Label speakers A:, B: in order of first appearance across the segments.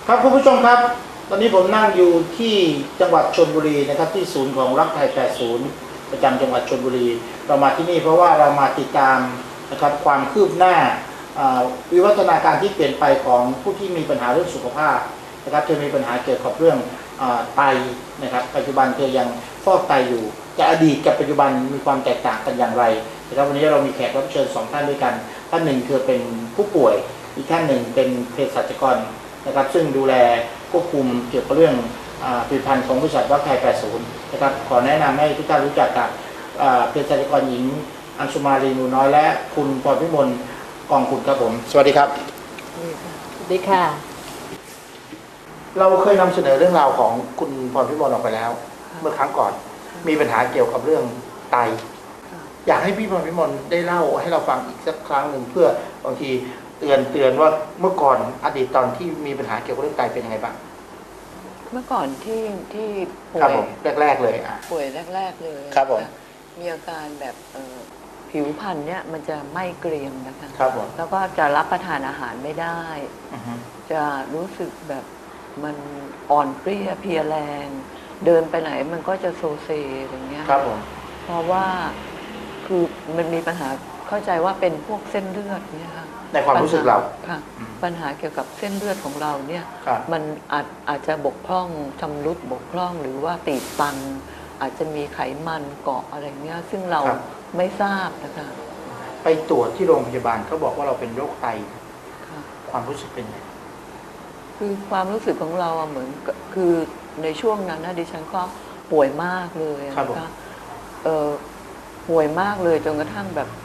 A: ครับคุณผู้ชมครับตอนนี้ผมนั่งอยู่ที่จังหวัดชลบุรีนะครับที่ศูนย์ของรักไทย80ประจำจังหวัดชลบุรีเรามาที่นี่เพราะว่าเรามาติดตามนะครับความคืบหน้าวิวัฒนาการที่เปลี่ยนไปของผู้ที่มีปัญหาเรื่องสุขภาพนะครับเธอมีปัญหาเกี่ยวกับเรื่องไตนะครับปัจจุบันเธอยังฟอกไตอยู่จะอดีตกับปัจจุบันมีความแตกต่างกันอย่างไรนะครับวันนี้เรามีแขกรับเชิญ2ท่านด้วยกันท่านหนึ่งคือเป็นผู้ป่วยอีกท่านหนึ่งเป็นเภสัชกรนะครับซึ่งดูแลควบคุมเกี่ยวกับเรื่องผลิตภัณฑ์ของบริษัทรักไทย80นะครับขอแนะนำให้ทุกท่านรู้จักกับเภสัชกรหญิงอัญชุมาลีนูน้อยและคุณพรพิมลกองคุณครับผมสวัสดีครับ
B: สวัสดีค่ะ
A: เราเคยนำเสนอเรื่องราวของคุณพรพิมลออกไปแล้วเมื่อครั้งก่อนมีปัญหาเกี่ยวกับเรื่องไตอยากให้พี่พรพิมลได้เล่าให้เราฟังอีกสักครั้งหนึ่งเพื่อบางทีเตือนว่าเมื่อก่อนอดีตตอนที่มีปัญหาเกี่ยวกับเรื่องไตเป็นยังไงบ้าง
B: เมื่อก่อนที่ป่
A: วยแรกเลย
B: ป่วยแรกเลย
A: ครับผม
B: มีอาการแบบผิวพรรณเนี่ยมันจะไม่เกรียมนะคะ
A: ครับผม
B: แล้วก็จะรับประทานอาหารไม่ได้จะรู้สึกแบบมันอ่อนเปรี้ยเพลียแรงเดินไปไหนมันก็จะโซเซอย่างเงี้ย
A: ครับผม
B: เพราะว่าคือมันมีปัญหาเข้าใจว่าเป็นพวกเส้นเลือดเนี่ยค่ะ
A: ในความรู้สึกเรา
B: ค่ะปัญหาเกี่ยวกับเส้นเลือดของเราเนี่ยมันอาจจะบกพร่องชำรุดบกพร่องหรือว่าตีบตันอาจจะมีไขมันเกาะอะไรเงี้ยซึ่งเราไม่ทราบนะคะ
A: ไปตรวจที่โรงพยาบาลเขาบอกว่าเราเป็นโรคไตความรู้สึกเป็นไง
B: คือความรู้สึกของเราเหมือนคือในช่วงนั้นนะดิฉันก็ป่วยมากเลยนะคะป่วยมากเลยจนกระทั่งแบบ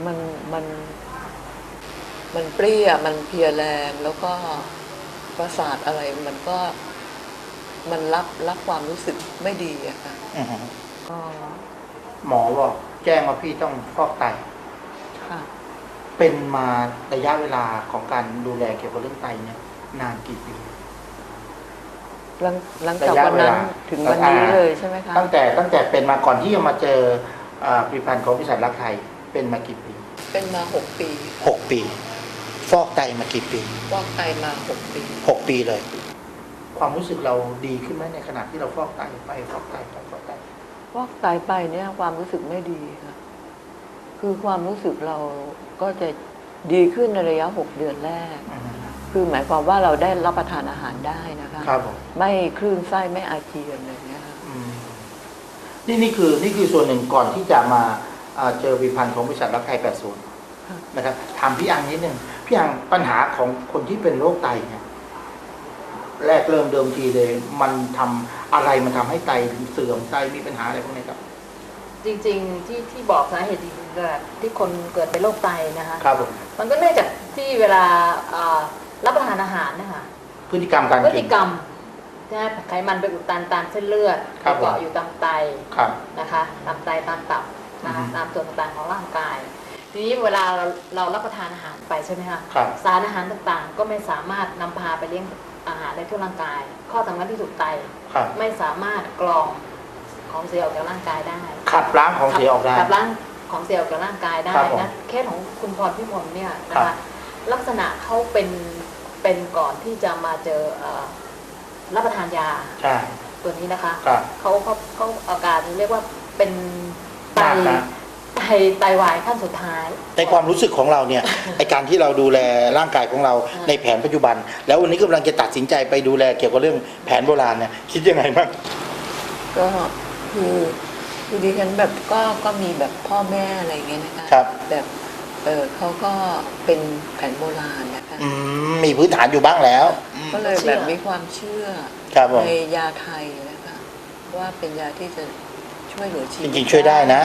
B: มันเปรี้ยมันเพลียแรงแล้วก็ประสาทอะไรมันรับความรู้สึกไม่ดีอะค่ะก็
A: หมอบอกแจ้งว่าพี่ต้องฟอกไต
B: ค่ะ
A: เป็นมาระยะเวลาของการดูแลเกี่ยวกับเรื่องไตเนี่ยนานกี่ปี
B: หลังจากวันนั้นถึงวันนี้เลยใช่ไหมคะ
A: ตั้งแต่เป็นมาก่อนที่จะมาเจอผลิตภัณฑ์ของบริษัทรักไทยเป็นมากี่ปี
B: เป็นมา6 ปี
A: 6 ปีฟอกไตมากี่ปี
B: ฟอกไตมา6 ปี
A: 6 ปีเลยความรู้สึกเราดีขึ้นไหมในขณะที่เราฟอกไตไปฟอกไตไปฟอกไต
B: ไปเนี่ยความรู้สึกไม่ดีค่ะคือความรู้สึกเราก็จะดีขึ้นในระยะ6 เดือนแรกคือหมายความว่าเราได้รับประทานอาหารได้นะคะ
A: ครับ
B: ไม่คลื่นไส้ไม่อาเจียนอะไรเงี้ยค่ะ
A: นี่คือส่วนหนึ่งก่อนที่จะมาเจอผลิตภัณฑ์ของบริษัทรักไทย80นะครับถามพี่อังนิดนึงพี่อังปัญหาของคนที่เป็นโรคไตเนี่ยแรกเริ่มเดิมทีเลยมันทำอะไรมันทำให้ไตถึงเสื่อมไตมีปัญหาอะไรพวกนี้ครับ
C: จริงๆที่บอกสาเหตุที่คนเกิดเป็นโรคไตนะคะ
A: ครับผม
C: มันก็เนื่องจากที่เวลารับประทานอาหารนะคะ
A: พฤติกรรมการกิน
C: พฤติกรรมนะไขมันไปอุดตันตามเส้นเลือดเกาะอยู่ตามไตนะคะตามไตตามตับนะคะตามส่วนต่างๆของร่างกายทีนี้เวลาเรารับประทานอาหารไปใช่ไหมคะสารอาหารต่างๆก็ไม่สามารถนำพาไปเลี้ยงอาหารได้ทั่วร่างกายข้อสำคัญที่สุดไตไม่สามารถกรองของเสียออกจากร่างกายได้
A: ขับล้างของเสียออกได้
C: ขับล้างของเสียออกจากร่างกายได้นะเคสของคุณพรพิมลเนี่ยนะคะลักษณะเขาเป็นก่อนที่จะมาเจอรับประทานยาตัวนี้นะคะเขาอาการเรียกว่าเป็นไตวายขั้นสุดท้าย
A: ในความรู้สึกของเราเนี่ยในการที่เราดูแลร่างกายของเราในแผนปัจจุบันแล้ววันนี้กำลังจะตัดสินใจไปดูแลเกี่ยวกับเรื่องแผนโบราณเนี่ยคิดยังไงบ้าง
B: ก็คือดิฉันแบบก็มีแบบพ่อแม่อะไรเงี้ยนะคะแบบเขาก็เป็นแผนโบราณนะคะ
A: มีพื้นฐานอยู่บ้างแล้ว
B: ก็เลยแบบมีความเชื่อในยาไทยนะคะว่าเป็นยาที่จะช่วยเหลือชีวิต
A: จริงๆช่วยได้นะ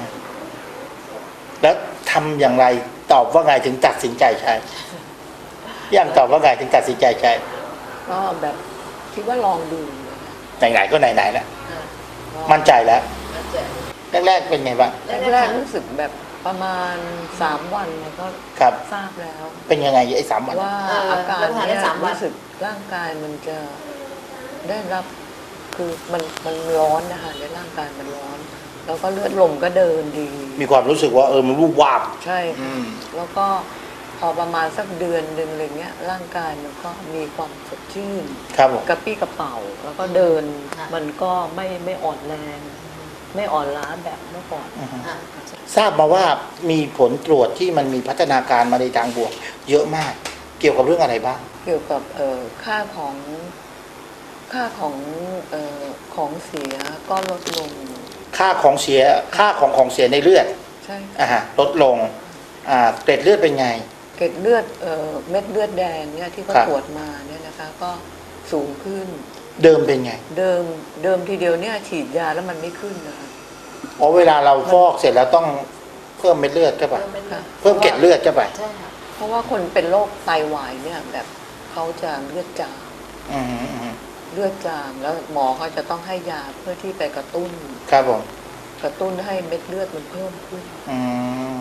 A: แล้วทำอย่างไรตอบว่าไงถึงตัดสินใจใช้ยังตอบว่าไงถึงตัดสินใจใช้
B: ก็แบบคิดว่าลองดู
A: ไหนๆก็ไหนๆแล้วมั่นใจแล้วแรกๆเป็นไงบ้าง
B: แรกรู้สึกแบบประมาณ3 วันก็ทราบแล้ว
A: เป็นยังไงไอ้3 วัน
B: ว่าอาการเนี่ยรู้สึกร่างกายมันจะได้รับคือมันร้อนนะคะในร่างกายมันร้อนแล้วก็เลือดลมก็เดินดี
A: มีความรู้สึกว่ามันรูปวาบ
B: ใช่แล้วก็พอประมาณสักเดือนหนึ่งอะไรเงี้ยร่างกายมันก็มีความสดชื่น
A: ครับผม
B: กระปี้กระเป๋าแล้วก็เดิน
C: ค่ะ
B: มันก็ไม่อ่อนแรง ไม่อ่อนล้าแบบเมื่อก่อน
C: อ่ะ
A: ทราบมาว่ามีผลตรวจที่มันมีพัฒนาการมาในทางบวก เยอะมาก เกี่ยวกับเรื่องอะไรบ้าง
B: เกี่ยวกับค่าของของเสียก็ลดลง
A: ค่าของเสียในเลือด
B: ใช่
A: ลดลงเกล็ดเลือดเป็นไง
B: เกล็ดเลือดเม็ดเลือดแดงเนี่ยที่เขา
A: ครับ
B: ตรวจมาเนี่ยนะคะก็สูงขึ้น
A: เดิมเป็นไง
B: เดิมทีเดียวเนี่ยฉีดยาแล้วมันไม่ขึ้นนะคะ
A: อ๋อเวลาเราฟอกเสร็จแล้วต้องเพิ่มเม็ดเลือดใช่ปะ
B: ค่ะ
A: เพิ่มเกล็ดเลือดใช่ปะ
C: ใช่ค่ะ
B: เพราะว่าคนเป็นโรคไตวายเนี่ยแบบเขาจะเลือดจาง
A: อืมอืม
B: เลือดจางแล้วหมอเขาจะต้องให้ยาเพื่อที่ไปกระตุ้น
A: ครับผม
B: กระตุ้นให้เม็ดเลือดมันเพิ่มขึ้น
A: อืม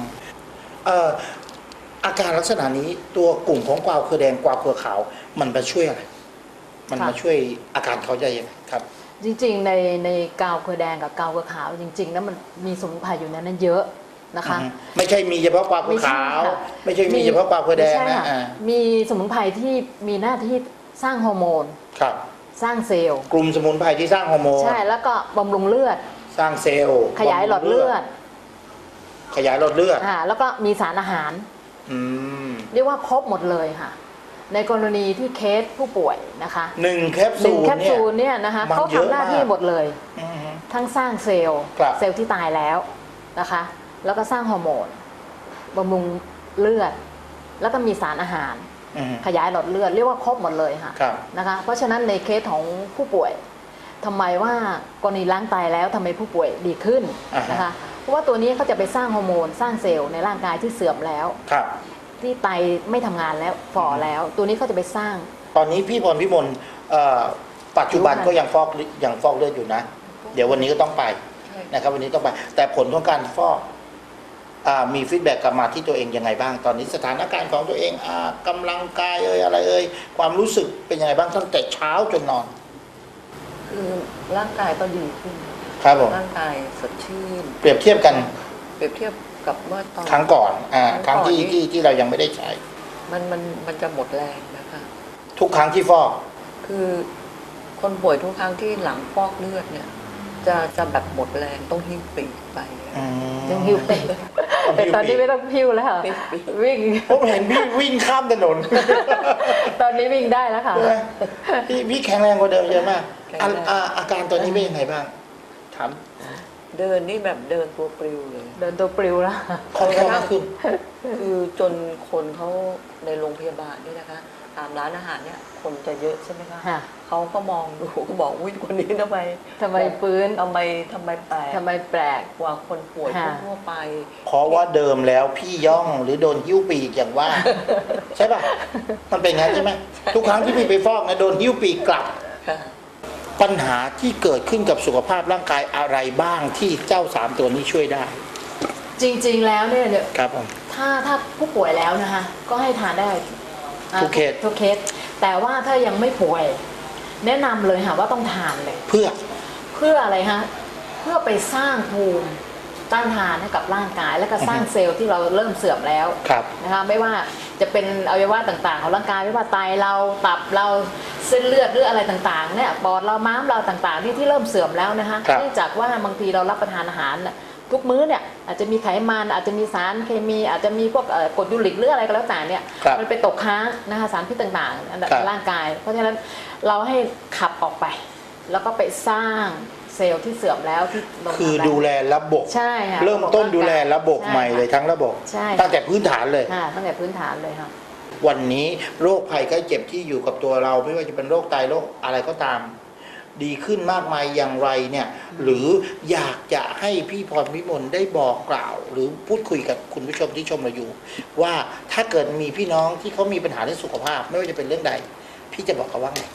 A: อาการลักษณะนี้ตัวกลุ่มของกวาวเครือแดงกวาวเครือขาว มันมาช่วยอะไร มันมาช่วยอาการเขาได้ยังไงครับ
C: จริงๆในกาวเครือแดงกับกาวเครือขาวจริงๆแล้วมันมีสมุนไพรอยู่ในนั้นเยอะนะคะ
A: ไม่ใช่มีเฉพาะกวาวเครือขาว ไม่ใช่มีเฉพาะกวาวเครือแดง
C: ไม่ใช่
A: นะ
C: ค่มีสมุนไพรที่มีหน้าที่สร้างฮอร์โมน
A: ครับ
C: สร้างเซลล์
A: กลุ่มสมุนไพรที่สร้างฮอร์โมน
C: ใช่แล้วก็บำรุงเลือด
A: สร้างเซลล์
C: ขยายหลอดเลือด
A: ขยายหลอดเลือด
C: แล้วก็มีสารอาหาร
A: อืม
C: เรียกว่าครบหมดเลยค่ะ ในกรณีที่เคสผู้ป่วยนะคะ
A: หนึ่งแคป
C: หนึ่
A: ซู
C: ง
A: ล
C: แคป
A: เนี่ย
C: ซูลเนี่ยนะคะ
A: มัน
C: เขา
A: เยอะ
C: ทำหน้าที่
A: มาก
C: หมดเลย
A: อืม
C: ทั้งสร้างเซลล์
A: ครับ
C: เซลล์ที่ตายแล้วนะคะ แล้วก็สร้างฮอร์โมนบำรุงเลือด แล้วก็มีสารอาหาร
A: อืม
C: ขยายหลอดเลือดเรียกว่าครบหมดเลยค่ะ
A: ครับ
C: นะคะ เพราะฉะนั้นในเคสของผู้ป่วยทำไมว่ากรณีล้างไตแล้วทำไมผู้ป่วยดีขึ้นนะคะ เพราะว่าตัวนี้เขาจะไปสร้างฮอร์โมนสร้างเซลล์ในร่างกายที่เสื่อมแล้ว
A: ครับ
C: ที่ไตไม่ทำงานแล้วฝ่อแล้ว ตัวนี้เขาจะไปสร้าง
A: ตอนนี้พี่พรพิมลปัจจุบัน
C: รู้ค่ะ
A: ก็ยังฟอกเลือดอยู่นะ เดี๋ยววันนี้ก็ต้องไป
B: ใช่
A: นะครับ วันนี้ต้องไป แต่ผลของการฟอกมีฟีดแบ็กกลับมาที่ตัวเองยังไงบ้าง ตอนนี้สถานการณ์ของตัวเองกำลังกายอะไรความรู้สึกเป็นยังไงบ้างตั้งแต่เช้าจนนอน
B: คือร่างกายก็ดีขึ้น
A: ครับผม
B: ร่างกายสดชื่น
A: เปรียบเทียบกัน
B: เปรียบเทียบกับเมื่อตอน
A: ครั้งก่อนครั้งที่
B: ก่อนนี้
A: ที่เรายังไม่ได้ใช้
B: มันจะหมดแรงนะคะ
A: ทุกครั้งที่ฟอก
B: คือคนป่วยทุกครั้งที่หลังฟอกเลือดเนี่ย จะแบบหมดแรงต้องหิ้วปีกไป
C: ยังหิวไปแต่ตอนนี้ไม่ต้องหิวแล้วค่ะ
B: ปีก
C: วิ่ง
A: ผมเห็นพี่วิ่งข้ามถนน
C: ตอนนี้วิ่งได้แล้วค่ะ
A: ใช่ไหมพี่แข็งแรงกว่าเดิมเยอะมาก
B: แข็งแรง
A: อาการตอนนี้เป็นยังไงบ้างถาม
B: เดินนี่แบบเดินตัวปลิวเลย
C: เดินตัวปลิวแล้ว
A: คล่องแคล่วมากขึ้น
B: คือจนคนเขาในโรงพยาบาลเนี่ยนะคะตามร้านอาหารเนี่ยคนจะเยอะใช่ไหมคะ
C: ค่ะ
B: เขาก็มองดูก็บอกอุ้ยคนนี้ทำไม
C: ทำไมฟื้น
B: ทำไมแปลก
C: ทำไมแปลก
B: กว่าคนป่วย
C: ค่ะ
B: ทั่วๆไป
A: เพราะว่าเดิมแล้วพี่ย่องหรือโดนหิ้วปีกอย่างว่า ใช่ป่ะ มันเป็นงั้นใช่ไหมทุกครั้งที่พี่ไปฟอกนะโดนหิ้วปีกกลับ
B: ค่ะ
A: ปัญหาที่เกิดขึ้นกับสุขภาพร่างกายอะไรบ้างที่เจ้าสามตัวนี้ช่วยได้
C: จริงๆแล้วเนี่ย
A: ครับผม
C: ถ้าผู้ป่วยแล้วนะคะ ก็ให้ทานได้
A: ทุกเคส
C: ทุกเคส แต่ว่าถ้ายังไม่ป่วย แนะนำเลยค่ะว่าต้องทานเลย
A: เพื่อ
C: อะไรฮะเพื่อไปสร้างภูมิต้านทานให้กับร่างกาย และก็สร้างเซลล์ที่เราเริ่มเสื่อมแล้ว
A: ครับ
C: นะคะไม่ว่าจะเป็นอวัยวะต่างๆของร่างกายไม่ว่าไตเราตับเราเส้นเลือดหรืออะไรต่างๆเนี่ยปอดเราม้ามเราต่างๆที่เริ่มเสื่อมแล้วนะคะ
A: ครับ
C: เนื่องจากว่าบางทีเรารับประทานอาหารน่ะทุกมื้อเนี่ยอาจจะมีไขมันอาจจะมีสารเคมีอาจจะมีพวกกรดยูริกหรืออะไรก็แล้วแต่เนี่ย
A: ครับ
C: มันไปตกค้างนะคะสารพิษต่างๆ
A: ครับ
C: ในร่างกาย เพราะฉะนั้นเราให้ขับออกไป แล้วก็ไปสร้างเซลล์ที่เสื่อมแล้วที่ลง
A: คือ
C: มาแล้ว
A: ดูแลระบบ
C: ใช่ค่ะ
A: เริ่มต้นดูแลระบบใหม่เลย
C: ใช่
A: ทั้งระบบ
C: ใช่
A: ตั้งแต่พื้นฐานเลย
C: ค่ะตั้งแต่พื้นฐานเลยค่ะ
A: วันนี้โรคภัยไข้เจ็บที่อยู่กับตัวเราไม่ว่าจะเป็นโรคไตโรคอะไรก็ตาม ดีขึ้นมากมายอย่างไรเนี่ย หรืออยากจะให้พี่พรพิมลได้บอกกล่าว หรือพูดคุยกับคุณผู้ชมที่ชมเราอยู่ ว่าถ้าเกิดมีพี่น้องที่เขามีปัญหาเรื่องสุขภาพ ไม่ว่าจะเป็นเรื่องใด พี่จะบอกเขาว่าไง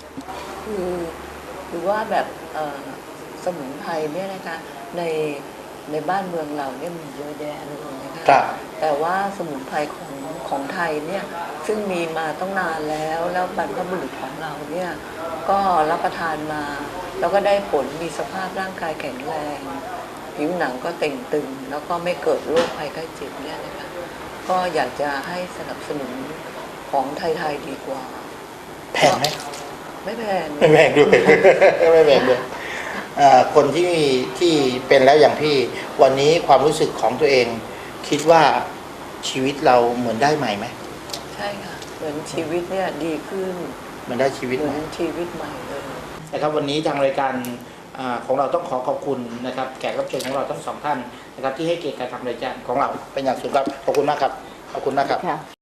B: คือว่าแบบสมุนไพรเนี่ยนะคะในบ้านเมืองเราเนี่ยมีเยอะแยะเลยนะคะ
A: ครับ
B: แต่ว่าสมุนไพรของไทยเนี่ยซึ่งมีมาต้องนานแล้วบรรพบุรุษของเราเนี่ยก็รับประทานมา แล้วก็ได้ผลมีสภาพร่างกายแข็งแรงผิวหนังก็เต่งตึง แล้วก็ไม่เกิดโรคภัยไข้เจ็บเนี่ยนะคะก็อยากจะให้สนับสนุนของไทยๆดีกว่า
A: แพงไหม
B: ไม่แพง
A: ไม่แพงด้วย ไม่แพงด้วยคนที่เป็นแล้วอย่างพี่วันนี้ความรู้สึกของตัวเอง คิดว่าชีวิตเราเหมือนได้ใหม่ไหม
B: ใช่ค่ะเหมือนชีวิตเนี่ยดีขึ้น
A: เหมันได้ชีวิต
B: เห
A: ไห
B: มื
A: ม
B: อนชีวิตใหม่เลย
A: นะครับวันนี้ทางรายการของเราต้องขอขอบคุณนะครับแขกรับเชิญของเราทั้งสองท่านนะครับที่ให้เกียรติการทำรายการของเราเป็นอย่างสูงครับขอบคุณมากครับขอบคุณมากครับ
C: ค่ะ